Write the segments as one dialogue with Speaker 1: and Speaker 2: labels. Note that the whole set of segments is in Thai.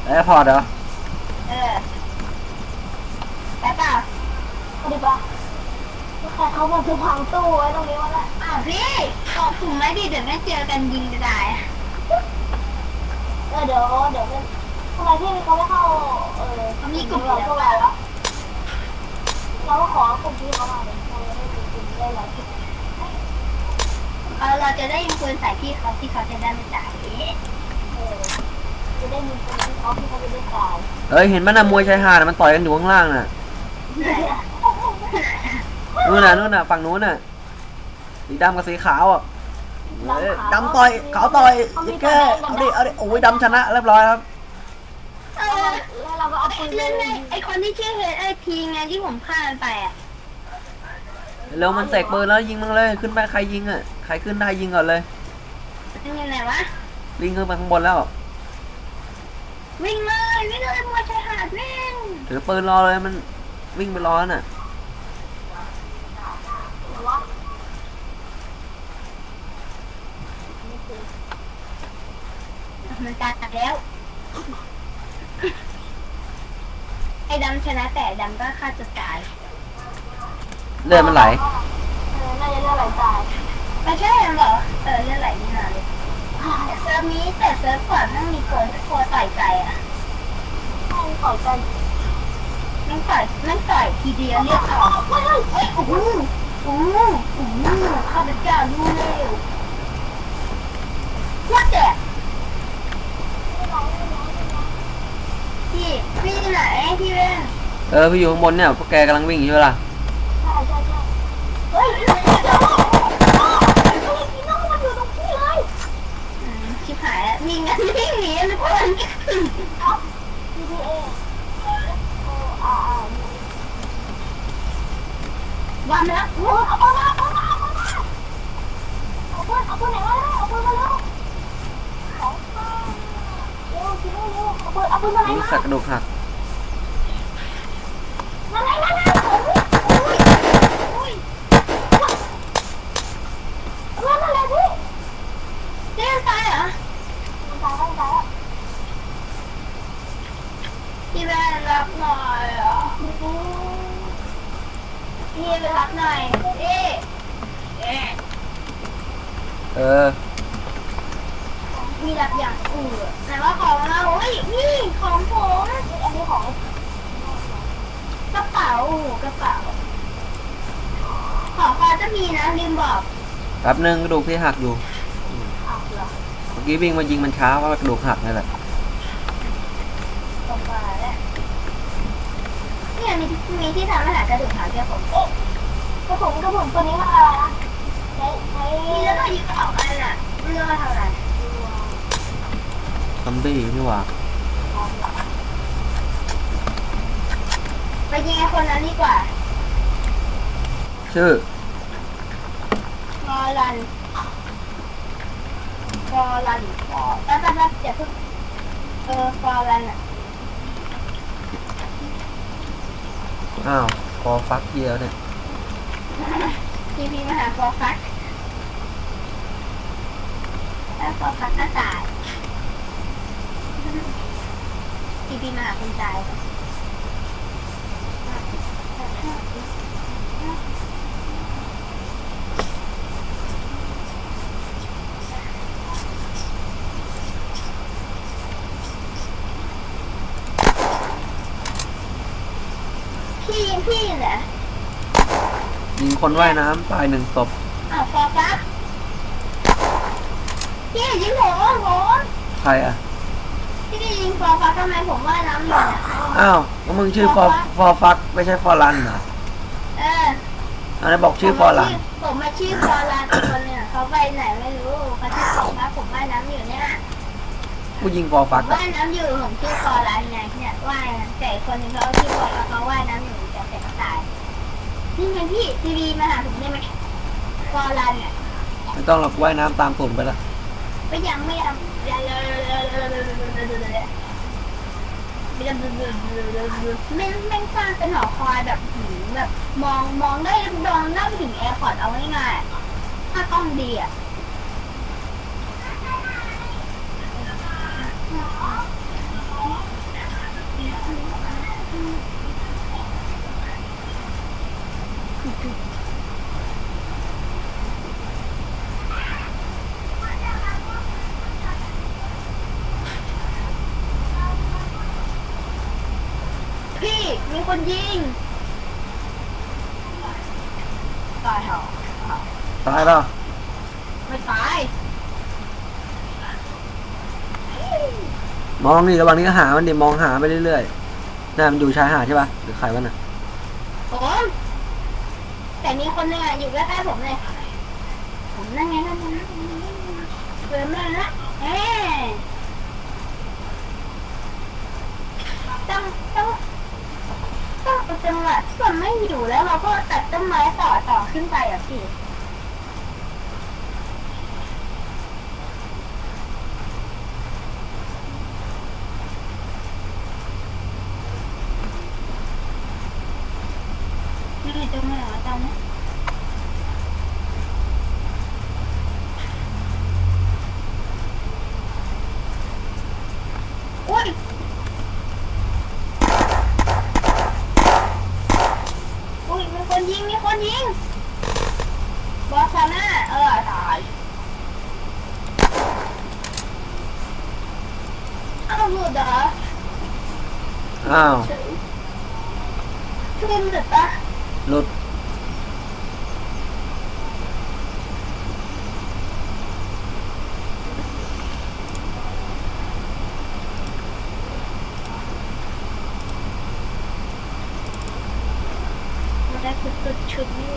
Speaker 1: แอร์พอร์ตเหรอ
Speaker 2: เออไปเปล่าไปดิปะแต่เขาบอกจะพังตู้ไว้ตรงนี้วะแหละพี่ตอบถุงไหมดิเดี๋ยวไม่เจอกันยิงจะได้เดี๋ยวทำไมพี่เขาไม่เข้าเขามีกลุ่มพวกเราวะเราก็ขอกลุ่มพี่เขามาเลยเราได้กลุ่มได้หลายที่เราจะได้ยิงปืนใส่พี่เขาที่เขาจะได้ไม่จ่ายจะได้ยิงปืนที่เขาจะได้จ่าย
Speaker 1: เห็นมันนะมวยชายหาดมันต่อยกันอยู่ข้างล่างน่ะนู่นน่ะฝั่งนู้นน่ะสีดำกับสีขาวอ่ะดำต่อยขาวต่อยยิ่งแค่เอาดิโอ้ยดำชนะเรียบร้อยครับ
Speaker 2: แล้วเราก็เอาปืนไอคนที่ชื่อเฮดไอพีไงที่ผมฆ่ามันไปอ่ะ
Speaker 1: เร็วมันเสกปืนแล้วยิงมันเลยขึ้นไปใครยิงอ่ะใครขึ้นได้ยิงก่อนเลย
Speaker 2: ยิงยังไงวะ
Speaker 1: วิ่งขึ้นไปข้างบนแล้ว
Speaker 2: วิ่งเลยมวยชายหาดวิ่ง
Speaker 1: ถือปืนรอเลยมันวิ่งไปรอน่ะ
Speaker 2: มันตายแล้วไอ้ดำชนะแต่ดำก็ฆ่าตัวตาย
Speaker 1: เลือดมันไหล
Speaker 2: น่าจะเลือดไหลตายไม่ใช่เหรอเลือดไหลนี่นาเลยเซิร์ฟนี้แต่เซิร์ฟก่อนต้องมีคนต่อยใจอ่ะต่อยใจมันต่อยทีเดียวเรียกออกเฮ้ยโอ้โหข้าพเจ้ารู้เร็วว่าแต่พี่ไหนพี่เว้น
Speaker 1: พี่อยู่ข้างบนเนี่ยพวกแกกำลังวิ่งอยู่ล่ะ
Speaker 2: ใช่เฮ้ยพี่น้องมันอยู่ตรงนี้เลยชิบหายมีงั้นวิ่งหนีนะเพื่อนวันแล้วเอาปืนไหนมาเอาปืนมาแล้วเอาปืนมาแล้วเอาปืนมาไหนมา
Speaker 1: สักกระดูกหัก
Speaker 2: นั่นพี่เจ๊ตายเหรอตายแล้วพี่แม่รับหน่อยอ่ะพี่ไปรับหน่อยพี่รับอย่างแต่ว่าของเราเฮ้ยนี่ของผมอันนี้ของกระเป๋าของฟ้าจะมีนะลืมบอก
Speaker 1: แป๊บนึงกระดูกพี่หักอยู่เมื่อกี้วิ่งมายิงมันช้าเพราะกระดูกหักนี่แหละ
Speaker 2: เนี่ยมีที่ทำอาหารกระดูกหักแค่ผมกระผมตัวนี้มันอะไรนะนี่แล้วก็ยิงออกอะไรน่ะเรื่องทำอะไร
Speaker 1: ซอมบี้นี่หว่า
Speaker 2: ไปยิงไอ้คนนั้นดีกว่า
Speaker 1: ชื่อ
Speaker 2: ฟอรันแป๊บเดี๋ยวฟอรันอ่ะ
Speaker 1: อ้าวพอฟักเดียวเนี่ย
Speaker 2: พี่มาหาฟอฟักแล้วฟอฟักก็ตายพี่มาหาคนตายพี่เหรอ
Speaker 1: ยิงคนว่ายน้ำตาย1 ศพ
Speaker 2: ฟอฟักพี่ยิงผม
Speaker 1: ใครอ่ะ
Speaker 2: พี่ยิงฟอฟักทำไมผมว่ายน้ำอยู่เนี่ย
Speaker 1: อ้าวก็มึงชื่อฟอฟักไม่ใช่ฟอรันเหรออะไรบอกชื่อฟอรัน
Speaker 2: ผมมาชื่อฟอรันคนเนี่ยเขาไปไหนไม่รู้เขาชื่อฟอฟักผมว่ายน้ำอยู่เนี่ย
Speaker 1: กูยิงฟอฟัก
Speaker 2: ว่ายน้ำอยู่ผมชื่อฟอรันไงเนี่ยว่ายแต่คนนึงเขาชื่อฟอฟักเขาว่ายน้ำอยู่แต่ก็ตายนี่ไงพี่ทีวีมาหาผมได้ไหมฟอรันเนี่ย
Speaker 1: ไม่ต้องหรอกว่ายน้ำตามตุ่นไปละ
Speaker 2: ไม่ยังแม่งสร้างเป็นหอคอยแบบมองได้ไปถึงแอร์พอร์ตเอาง่ายๆถ้ากล้องดีอ่ะมีคนยิงตายเหรอ
Speaker 1: ตายแล้ว
Speaker 2: ไม่ตาย
Speaker 1: มองนี่ระหว่างนี้ก็หามันดิมองหาไปเรื่อยๆน่ามันอยู่ชายหาดใช่ปะหรือใครวะน่ะ
Speaker 2: ผมแต่มีคนหนึงอยู่ใกล้ๆผมเลยผมนั่งไงนั่นนะเดินมาละต้องเป็นจังหวะที่มันไม่อยู่แล้วเราก็ตัดต้นไม้ต่อขึ้นไปอ่ะพี่นี่จะไม่หรอจำนะอุ้ยมีคนยิงบอสซาน่าตายอ้าวหลุดเหรอ
Speaker 1: อ้าว
Speaker 2: ขึ้นหลุดปะ
Speaker 1: หลุด
Speaker 2: มันได้สุดชุดนี่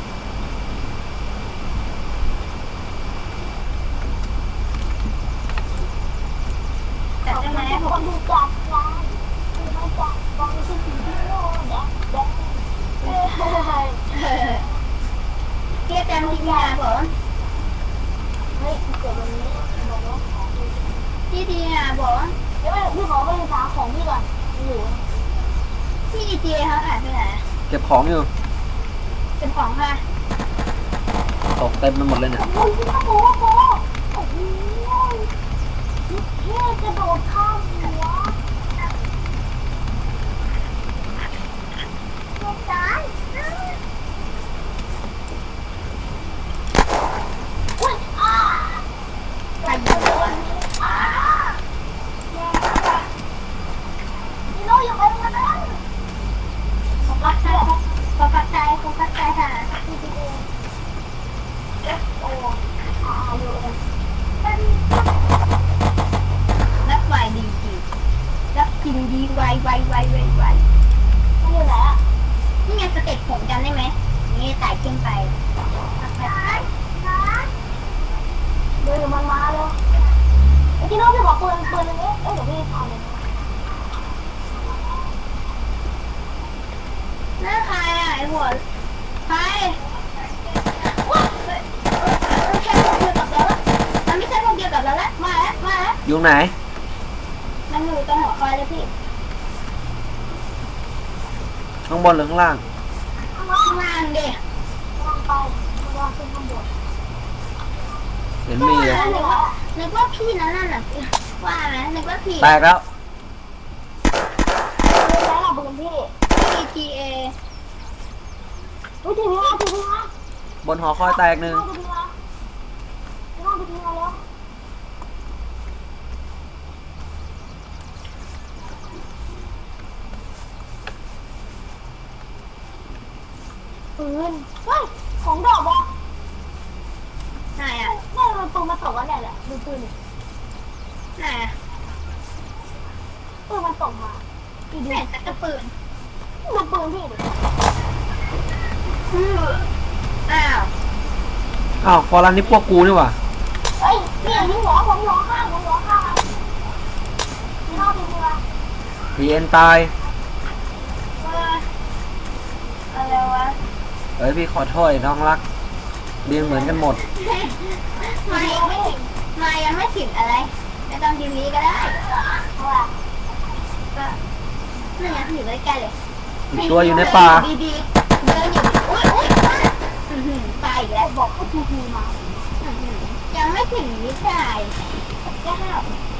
Speaker 2: แต่ทำไมผมดูจับร้านดูไม่จับมองที่สีที่โน่นเทียบจำทีมงานผมเฮ้ยเกิดวันนี้บอกว่าพี่ดีบอกว่าเดี๋ยวพี่ขอไปหาของพี่ก่อนอยู่พี่ดีเจเขาหายไปไหน
Speaker 1: เก็บของอยู่
Speaker 2: เป็นของค่ะ
Speaker 1: ตกเต็มไปหมดเลยเนี่ย
Speaker 2: โอ้โหโอ้โหเท่กระโดดข้ามหัวลงจานอุ้ยใครยิงวะนี่น้องอยู่ไปแล้วนะโฟกัสใจค่ะพี่ดีเอฟโอยูเอ็มนักไวดีจีนักกินดีไวมันอยู่ไหนอ่ะนี่ไงสเต็ปผมจำได้ไหมนี่ไต่ขึ้นไปเดินมันมาเลยไอ้ที่น้องพี่บอกปืนอันนี้เดี๋ยวพี่ทำเลยนั่นใครอ่ะไอ้หัวใครว้าใช่พวกเดียวกับเราละมันไม่ใช่พวกเดียวกับเราละมาแล้ว
Speaker 1: อยู่ไหน
Speaker 2: มันอยู่ตรงหัวคอยเลยพี่
Speaker 1: ข้างบนหรือข้างล่าง
Speaker 2: ข้างล่างดิข้างไปข้างขึ้นข้างบน
Speaker 1: เห็นมีเลย
Speaker 2: นึกว่าพี่นั่นน่ะว่าไหมนึกว่าพี่
Speaker 1: แตกแล้ว
Speaker 2: แล้วเราเป็นพี่ PTA ทีนี้มา
Speaker 1: บนหอคอยแตกหนึ่ง
Speaker 2: แล้วปืนเฮ้ยของดอกอ่ะไหนอ่ะนี่มันปืนมาตกแล้วเนี่ยแหละดูปืนไหนอ่ะปืนมันตกมาพี่ดูแต่ก็ปืนดูปืนพี่ดิอ้าว
Speaker 1: อ้าวฟอรันนี่พวกกูนี่หว่า
Speaker 2: เฮ้ยนี่ยิงหัวผมหัวข้างนี่รอบนี้วะ
Speaker 1: พีเอ็นตาย
Speaker 2: อะไรวะ
Speaker 1: เอ้ยพี่ขอโทษน้องรักเรียนเหมือนกันหมด
Speaker 2: มายังไม่ถึงอะไรไม่ต้องทีนี้ก็ได้เพราะว่าก็นั่นไงอยู่ใกล้ๆเลย
Speaker 1: อีกตัวอยู่ในป่า
Speaker 2: ดีๆเดินอยู่อุ้ยไปอีกแล้วบอกให้ทีมายังไม่ถึงนิสัยแก้ว